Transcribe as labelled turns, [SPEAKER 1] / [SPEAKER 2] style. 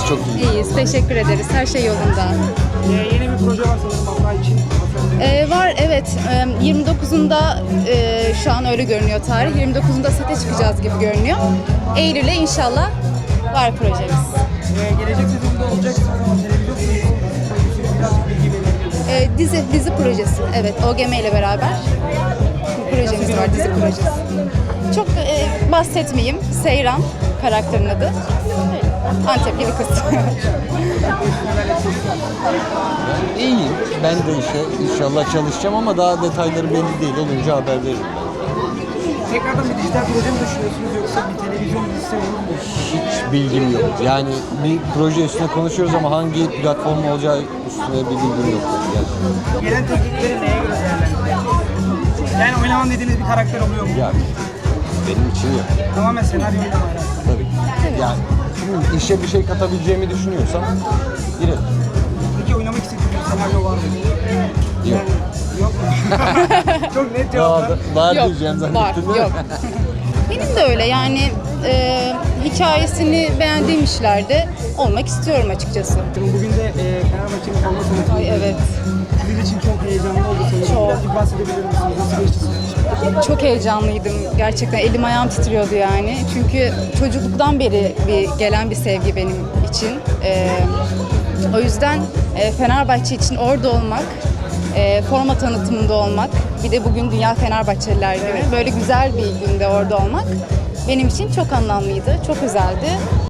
[SPEAKER 1] çok iyi.
[SPEAKER 2] İyiyiz, teşekkür ederiz. Her şey yolunda.
[SPEAKER 3] Yeni bir proje var sanırım hafta için.
[SPEAKER 2] Var, evet. 29'unda şu an öyle görünüyor tarih. 29'unda sete çıkacağız gibi görünüyor. Eylül'e inşallah var projemiz.
[SPEAKER 3] Gelecek sezonda olacaksınız ama televizyon projesi birazcık bilgi verebilirsiniz.
[SPEAKER 2] Dizi projesi, evet. OGM ile beraber bir projemiz var, dizi projesi. Çok bahsetmeyeyim. Seyran karakterin adı. Antepli bir kız.
[SPEAKER 1] İyiyim. Ben de inşallah çalışacağım ama daha detayları belli değil. Olunca haber veririm.
[SPEAKER 3] Tekrardan bir dijital proje mi düşünüyorsunuz yoksa bir televizyon dizisi olur mu?
[SPEAKER 1] Hiç bilgim yok. Yani bir proje üstüne konuşuyoruz ama hangi platform olacağı üstüne bir bilgim yok. Gerçekten.
[SPEAKER 3] Gelen teklifleri neye göre değerlendiriyorsunuz? Yani oynamam dediğiniz bir karakter oluyor mu?
[SPEAKER 1] Yani benim için yok.
[SPEAKER 3] Tamamen senaryo ile alakalı.
[SPEAKER 1] Tabii. Yani işe bir şey katabileceğimi düşünüyorsam girelim.
[SPEAKER 3] Peki oynamak istediğiniz bir senaryo var mı?
[SPEAKER 1] Yok.
[SPEAKER 3] Yok mu? Çok net cevaplar.
[SPEAKER 1] Var
[SPEAKER 2] Yok,
[SPEAKER 1] diyeceğim
[SPEAKER 2] var,
[SPEAKER 1] zannettim değil mi?
[SPEAKER 2] yok. Benim de öyle yani hikayesini beğendiğim işlerde olmak istiyorum açıkçası.
[SPEAKER 3] Bugün de Fenerbahçe'nin forma tanıtımı.
[SPEAKER 2] Ay evet,
[SPEAKER 3] Sizin için çok heyecanlı oldu sanırım.
[SPEAKER 2] Çok.
[SPEAKER 3] Birazcık bahsedebilir misiniz? Nasıl geçti sizin için?
[SPEAKER 2] çok heyecanlıydım. Gerçekten elim ayağım titriyordu yani. Çünkü çocukluktan beri gelen bir sevgi benim için. O yüzden Fenerbahçe için orada olmak, forma tanıtımında olmak, bir de bugün Dünya Fenerbahçeliler Günü. Böyle güzel bir günde orada olmak benim için çok anlamlıydı, çok özeldi.